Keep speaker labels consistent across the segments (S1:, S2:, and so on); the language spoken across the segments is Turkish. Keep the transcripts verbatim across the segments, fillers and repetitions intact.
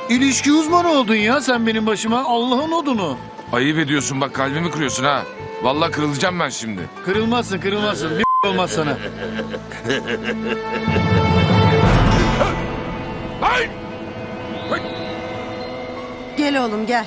S1: İlişki uzmanı oldun ya sen benim başıma. Allah'ın odunu.
S2: Ayıp ediyorsun bak, kalbimi kırıyorsun ha. Vallahi kırılacağım ben şimdi.
S1: Kırılmazsın kırılmazsın. Bir olmaz sana.
S2: Hayır!
S3: Gel oğlum gel.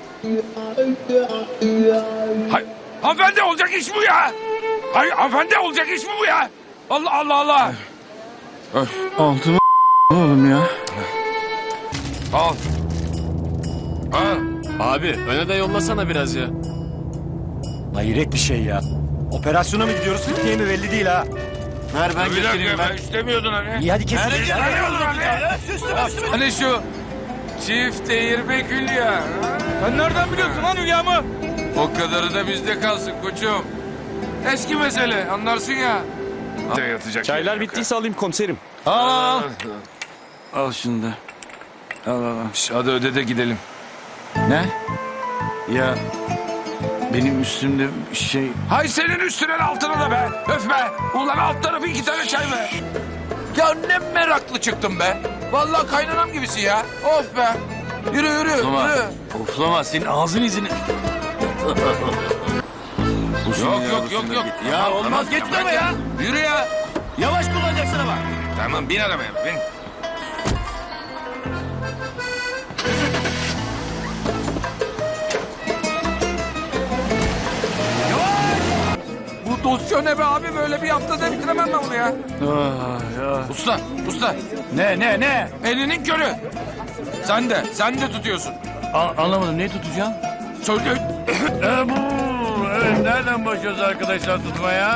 S2: Hayır! Hanımefendi, olacak iş bu ya! Hayır hanımefendi, olacak iş mi bu ya? Allah Allah Allah!
S1: Altıma oğlum ya.
S2: Al. Al.
S4: Abi öne de yollasana biraz ya.
S5: Hayret bir şey ya. Operasyona mı gidiyoruz, fitneye mi belli değil ha.
S1: Ver ben
S2: Bir dakika,
S1: getireyim
S2: ben
S1: ben.
S2: istemiyordun hani.
S5: İyi hadi kesin.
S2: Hani şu çift değirmek Hülya. Sen nereden biliyorsun lan Hülya'mı? O kadarı da bizde kalsın koçum. Eski mesele, anlarsın ya. Yatacak
S4: Çaylar
S2: yer yok
S4: bittiyse alayım komiserim.
S1: Al al. Al şunu da. Al al al.
S2: ha. Şş, hadi öde de gidelim.
S1: Ne? Ya benim üstümde şey...
S2: Hay senin üstüne altına da be. Öf be. Ulan alt tarafı iki tane çay be. Ya ne meraklı çıktın be. Vallahi kaynanam gibisin ya. Of be. Yürü yürü
S1: Oflama.
S2: yürü.
S1: Oflama senin ağzın izini...
S2: Yok yok yok yok.
S1: Ya olmaz geç deme ya.
S2: Yürü ya.
S1: Yavaş kullanacaksın ama.
S2: Tamam bin arabaya bin. Bu dosya ne be abi, böyle bir haftada bitiremem ben bunu ya.
S1: Ah, ya.
S2: Usta usta
S1: Ne ne ne?
S2: elinin körü. Sen de sen de tutuyorsun.
S1: A- anlamadım ne tutacağım?
S2: Söyle.
S1: E, bu. Evet nereden başlıyoruz arkadaşlar tutmaya?